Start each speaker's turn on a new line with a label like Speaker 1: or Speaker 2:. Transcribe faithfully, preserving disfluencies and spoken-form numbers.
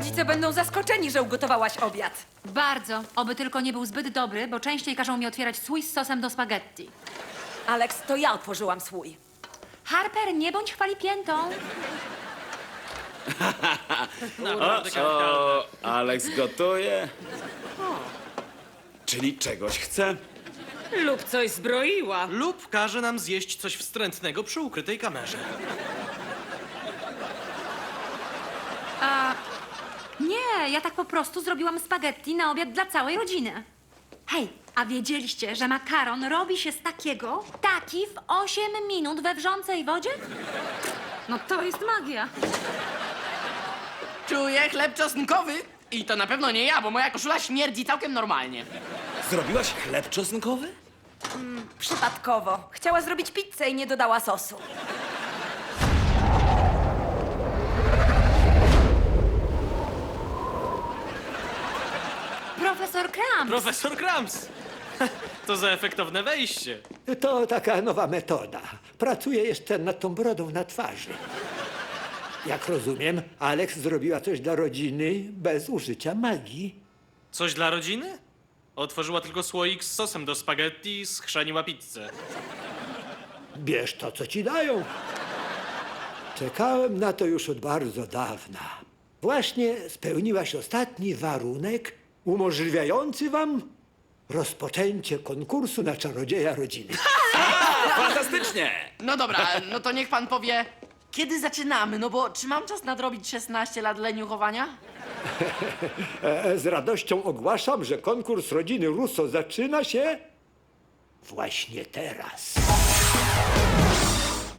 Speaker 1: Rodzice będą zaskoczeni, że ugotowałaś obiad.
Speaker 2: Bardzo. Oby tylko nie był zbyt dobry, bo częściej każą mi otwierać słój z sosem do spaghetti.
Speaker 1: Alex, to ja otworzyłam swój.
Speaker 2: Harper, nie bądź chwalipiętą.
Speaker 3: O, Alex gotuje. Czyli czegoś chce?
Speaker 1: Lub coś zbroiła.
Speaker 4: Lub każe nam zjeść coś wstrętnego przy ukrytej kamerze.
Speaker 2: Nie, ja tak po prostu zrobiłam spaghetti na obiad dla całej rodziny. Hej, a wiedzieliście, że makaron robi się z takiego, taki w osiem minut we wrzącej wodzie? No to jest magia.
Speaker 5: Czuję chleb czosnkowy. I to na pewno nie ja, bo moja koszula śmierdzi całkiem normalnie.
Speaker 3: Zrobiłaś chleb czosnkowy?
Speaker 1: Przypadkowo. Chciała zrobić pizzę i nie dodała sosu.
Speaker 2: Profesor Krams.
Speaker 4: Profesor Krams! To za efektowne wejście.
Speaker 6: To taka nowa metoda. Pracuję jeszcze nad tą brodą na twarzy. Jak rozumiem, Alex zrobiła coś dla rodziny bez użycia magii.
Speaker 4: Coś dla rodziny? Otworzyła tylko słoik z sosem do spaghetti i schrzaniła pizzę.
Speaker 6: Bierz to, co ci dają. Czekałem na to już od bardzo dawna. Właśnie spełniłaś ostatni warunek umożliwiający wam rozpoczęcie konkursu na czarodzieja rodziny.
Speaker 3: Fantastycznie!
Speaker 5: No dobra, no to niech pan powie, kiedy zaczynamy? No bo czy mam czas nadrobić szesnaście lat leniuchowania?
Speaker 6: E, Z radością ogłaszam, że konkurs rodziny Russo zaczyna się właśnie teraz.